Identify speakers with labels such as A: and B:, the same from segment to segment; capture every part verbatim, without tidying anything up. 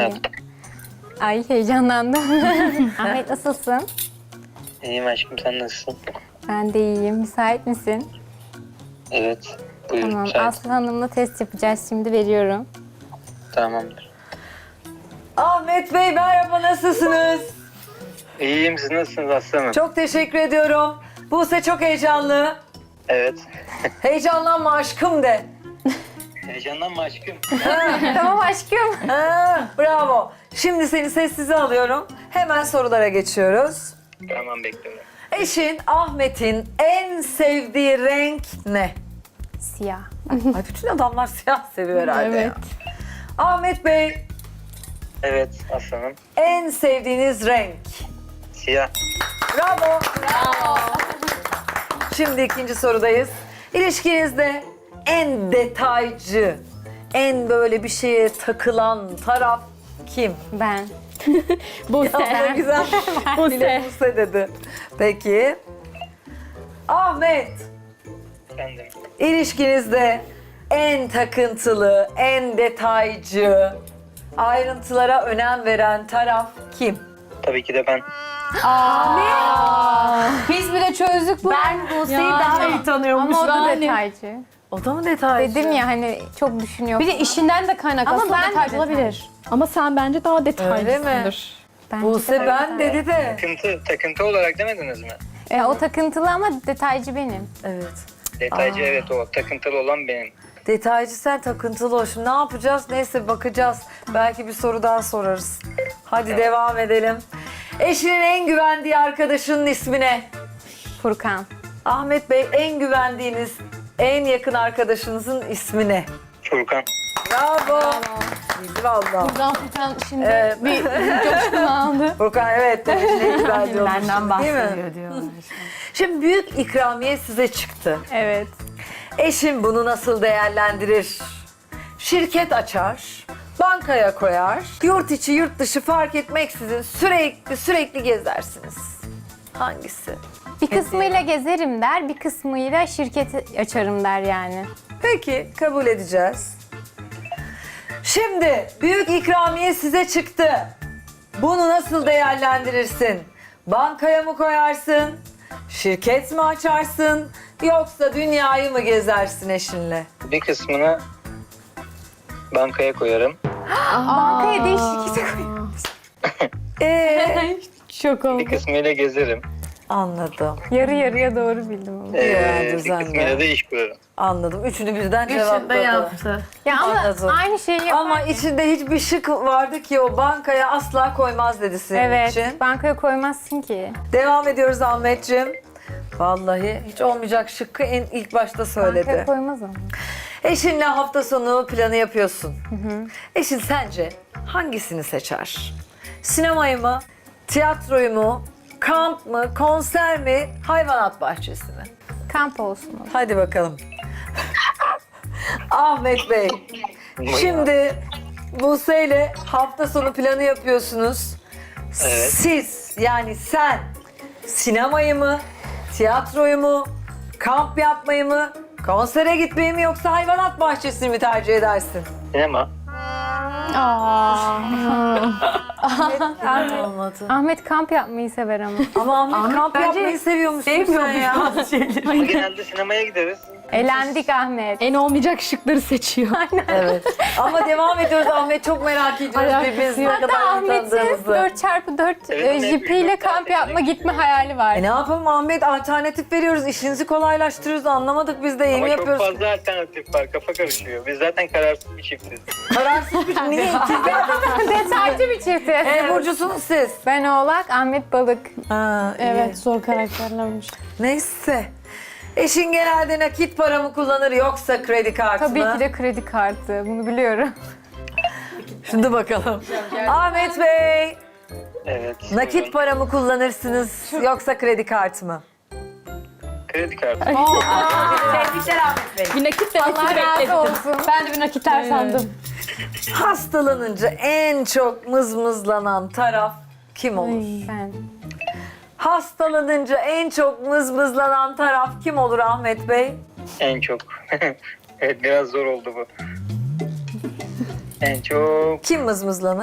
A: Nasılsın? Ay heyecanlandım. Ahmet nasılsın?
B: İyiyim aşkım, sen nasılsın?
A: Ben de iyiyim. Müsait misin?
B: Evet. Buyur.
A: Tamam.
B: müsait.
A: Aslı Hanım'la test yapacağız. Şimdi veriyorum.
B: Tamamdır.
C: Ahmet Bey merhaba, nasılsınız?
B: İyiyim, siz nasılsınız aslanım?
C: Çok teşekkür ediyorum. Buse çok heyecanlı.
B: Evet.
C: Heyecanlanma aşkım de.
B: Heyecanlanma aşkım.
A: Tamam aşkım.
C: Ha, bravo. Şimdi seni sessize alıyorum. Hemen sorulara geçiyoruz.
B: Tamam, bekliyorum.
C: Eşin Ahmet'in en sevdiği renk ne?
A: Siyah.
C: Ay bütün adamlar siyah seviyor herhalde.
A: Evet.
C: ya. Ahmet Bey
B: Evet aslanım.
C: en sevdiğiniz renk?
B: Siyah.
C: Bravo. Bravo. Şimdi ikinci sorudayız. İlişkinizde en detaycı, en böyle bir şeye takılan taraf kim?
A: Ben.
C: Ya ne güzel. Bile Buse dedi. Peki. Ahmet,
B: Efendim.
C: ilişkinizde en takıntılı, en detaycı, ayrıntılara önem veren taraf kim?
B: Tabii ki de ben.
A: Biz bile çözdük bu. Ben Buse'yi daha iyi tanıyormuş. Ama o da detaycı.
C: O da mı detaycı?
A: Dedim ya hani çok düşünüyor.
D: Bir de işinden de kaynaklı.
A: Ama
D: Aslında
A: ben de
D: detaycı
A: detay-
D: olabilir. Ama sen bence daha
C: Öyle mi?
D: detaylısındır.
A: Bence
C: Buse
A: de
C: ben
A: detaycı.
C: dedi de.
B: Takıntı, takıntı olarak demediniz mi?
A: E, o takıntılı ama detaycı benim.
C: Evet.
B: Detaycı evet o. Takıntılı olan benim.
C: Detaycı sen, takıntılı ol. Şimdi ne yapacağız? Neyse bakacağız. Belki bir soru daha sorarız. Hadi devam edelim. Eşinin en güvendiği arkadaşının ismi ne?
A: Furkan.
C: Ahmet Bey, en güvendiğiniz, en yakın arkadaşınızın ismi ne?
B: Furkan.
C: Bravo. Bildi valla.
D: Buradan Furkan şimdi
C: Evet.
D: bir coşkunu aldı.
C: Furkan evet demiş, ne güzel diyormuş.
A: Benden
C: Değil mi?
A: bahsediyor diyorlar.
C: Şimdi büyük ikramiye size çıktı.
A: Evet.
C: Eşim bunu nasıl değerlendirir? Şirket açar, bankaya koyar, yurt içi yurt dışı fark etmeksizin sürekli sürekli gezersiniz. Hangisi?
A: Bir kısmıyla gezerim der, bir kısmıyla şirket açarım der yani.
C: Peki, kabul edeceğiz. Şimdi büyük ikramiye size çıktı. Bunu nasıl değerlendirirsin? Bankaya mı koyarsın? Şirket mi açarsın? Yoksa dünyayı mı gezersin eşinle?
B: Bir kısmını bankaya koyarım.
A: Bankaya değil şirkete koyarım.
C: Ee,
D: Şok
B: Bir
D: oldu.
B: kısmıyla gezerim.
C: anladım.
A: Yarı yarıya doğru bildim onu.
B: Ee,
C: Ya,
B: bir
C: düzenli.
B: kısmıyla da iş kurarım.
C: Anladım. Üçünü birden cevapladı.
A: Ya ama
C: Anladım.
A: aynı şeyi yapar.
C: Ama içinde hiçbir şık vardı ki o bankaya asla koymaz dedi senin
A: Evet,
C: için.
A: bankaya koymazsın ki.
C: Devam ediyoruz Ahmetciğim. Vallahi hiç olmayacak şıkkı en ilk başta söyledi.
A: Bankaya koymaz ama.
C: Eşinle hafta sonu planı yapıyorsun. Eşin sence hangisini seçer? Sinemayı mı, tiyatroyu mu, kamp mı, konser mi, hayvanat bahçesi mi?
A: Kamp olsun o.
C: Hadi bakalım. Ahmet Bey, şimdi Buse ile hafta sonu planı yapıyorsunuz.
B: Evet.
C: Siz yani sen sinemayı mı, tiyatroyu mu, kamp yapmayı mı, konsere gitmeyi mi yoksa hayvanat bahçesini mi tercih edersin?
B: Sinema.
C: Olmadı.
A: Ahmet kamp yapmayı sever ama.
C: Ama Ahmet, kamp yapmayı seviyormuşsun sen ya.
B: Ama genelde sinemaya gideriz.
A: Elendik Ahmet.
D: En olmayacak şıkları seçiyor.
C: Evet. Ama devam ediyoruz Ahmet, çok merak ediyoruz
D: Alakası
C: birbirimizi ne
D: yok.
A: Hatta
C: kadar iyi
A: Ahmet'in
C: tanıdığımızı.
A: dört çarpı dört
B: Evet,
A: e,
B: evet,
A: jipiyle
B: üç dört
A: kamp
B: tane
A: yapma
B: seçenek.
A: gitme hayali var.
C: E ne yapalım Ahmet, alternatif veriyoruz, işinizi kolaylaştırıyoruz, anlamadık biz de iyi
B: Ama
C: mi
B: çok
C: yapıyoruz?
B: fazla alternatif var. Kafa karışıyor. Biz zaten kararsız bir çiftiz.
C: Kararsız bir şey. Niye?
A: Detaycı bir çift.
C: E burcusunuz siz.
A: Ben oğlak, Ahmet balık.
C: Ha, iyi.
D: Evet, zor karakterlermiş.
C: Neyse. Eşin genelde nakit para mı kullanır yoksa kredi kartı
A: Tabii
C: mı?
A: ki de kredi kartı. Bunu biliyorum.
C: Şimdi bakalım. Ahmet Bey,
B: Evet.
C: nakit
B: buyurun.
C: para mı kullanırsınız yoksa kredi kartı mı?
B: Kredi kartı.
C: Tebrikler Ahmet Bey.
D: Bir nakit de
A: Allah razı olsun.
D: Ben de bir nakitler sandım.
C: Hastalanınca en çok mızmızlanan taraf kim olur?
A: Ben.
C: Hastalanınca en çok mızmızlanan taraf kim olur Ahmet Bey?
B: En çok. Evet, biraz zor oldu bu. En çok
C: Kim mızmızlanır?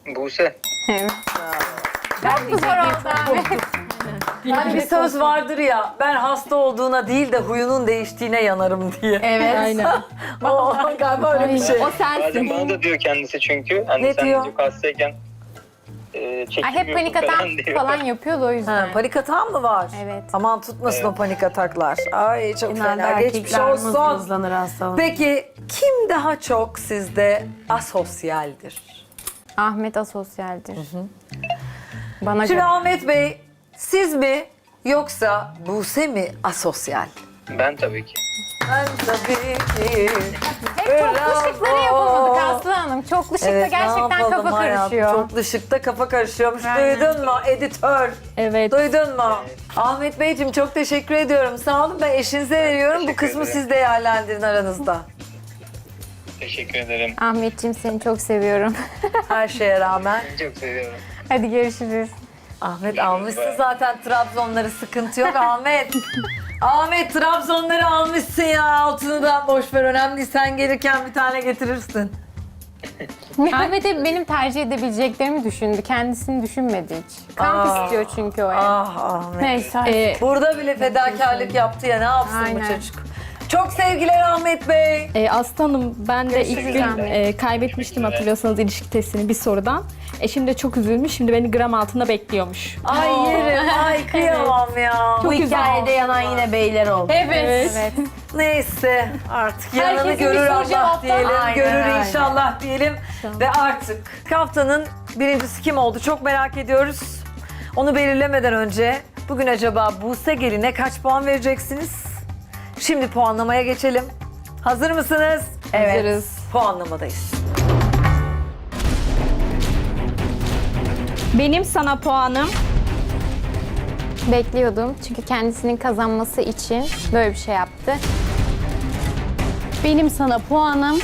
B: Buse.
A: Evet. Çok mu zor oldu Ahmet?
C: Hani bir söz vardır ya, ben hasta olduğuna değil de huyunun değiştiğine yanarım diye.
D: Evet. Aynen.
C: O galiba öyle bir şey.
D: O
B: Bazen
D: sensin.
B: bana da diyor kendisi çünkü. Hani
C: Ne
B: sen
C: diyor?
B: diyor hastayken e,
A: Ay,
B: çekilmiyorsun
A: hep panik atan
B: falan diyor.
A: falan yapıyordu o yüzden.
C: Ha, panik atağın mı var?
A: Evet.
C: Aman tutmasın
B: Evet.
C: o panik ataklar. Ay çok
D: Genelde
C: fena. Geçmiş
D: erkekler
C: olsun.
D: hızlanır hastalık.
C: Peki kim daha çok sizde asosyaldir?
A: Ahmet asosyaldir. Bana
C: Şimdi
A: göre.
C: Ahmet Bey, siz mi yoksa Buse mi asosyal?
B: Ben tabii ki.
C: Ben tabii ki.
A: Hep çoklu şıkları yapamadık
C: Bravo.
A: Aslı Hanım. Çoklu şıkta
C: Evet, ne
A: gerçekten
C: yapalım
A: kafa
C: hayatım?
A: karışıyor.
C: Çoklu şıkta kafa karışıyormuş.
A: Aynen.
C: Duydun mu editör?
D: Evet.
C: Duydun mu? Ahmet Beyciğim çok teşekkür ediyorum. Sağ olun, ben eşinize veriyorum. Bu
B: teşekkür
C: kısmı
B: ederim.
C: siz değerlendirin aranızda.
B: Teşekkür ederim.
A: Ahmetciğim seni çok seviyorum.
C: Her şeye rağmen.
B: Çok seviyorum.
A: Hadi görüşürüz.
C: Ahmet almışsın zaten Trabzonları, sıkıntı yok Ahmet. Ahmet Trabzonları almışsın ya, altını da boş ver, önemli değil. Sen gelirken bir tane getirirsin.
A: Ahmet hep benim tercih edebileceklerimi düşündü. Kendisini düşünmedi hiç. Kamp
C: Aa.
A: istiyor çünkü o ev.
C: Ah Ahmet.
A: Neyse.
D: Ee,
C: Burada bile fedakarlık yaptı ya, ne yapsın bu
A: Aynen.
C: çocuk? Çok sevgiler Ahmet Bey.
D: e, Aslanım ben de ilk
A: Görüşürüz
D: gün
A: Ahmet.
D: e, kaybetmiştim hatırlıyorsanız ilişki testini bir sorudan. Eşim de çok üzülmüş. Şimdi beni gram altında bekliyormuş.
C: Ay yerim, ay kıyamam ya.
D: Çok
E: Hikayede yanan yine beyler oldu.
A: Evet. evet.
C: Neyse artık yanını
A: Herkesin
C: görür
A: bir soru
C: Allah
A: cevaptan-
C: diyelim,
E: Aynen,
C: görür
E: aynen.
C: inşallah diyelim. Ve artık haftanın birincisi kim oldu çok merak ediyoruz. Onu belirlemeden önce bugün acaba Buse Gelin'e kaç puan vereceksiniz? Şimdi puanlamaya geçelim. Hazır mısınız?
E: Evet.
D: Hazırız.
C: Puanlamadayız.
D: Benim sana puanım
A: Bekliyordum. Çünkü kendisinin kazanması için böyle bir şey yaptı.
D: benim sana puanım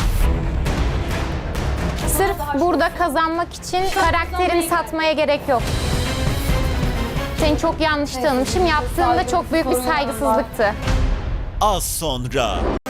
A: Sırf burada kazanmak için karakterini satmaya gerek yok. Seni çok yanlış tanımışım. Yaptığında çok büyük bir saygısızlıktı.
F: Az sonra.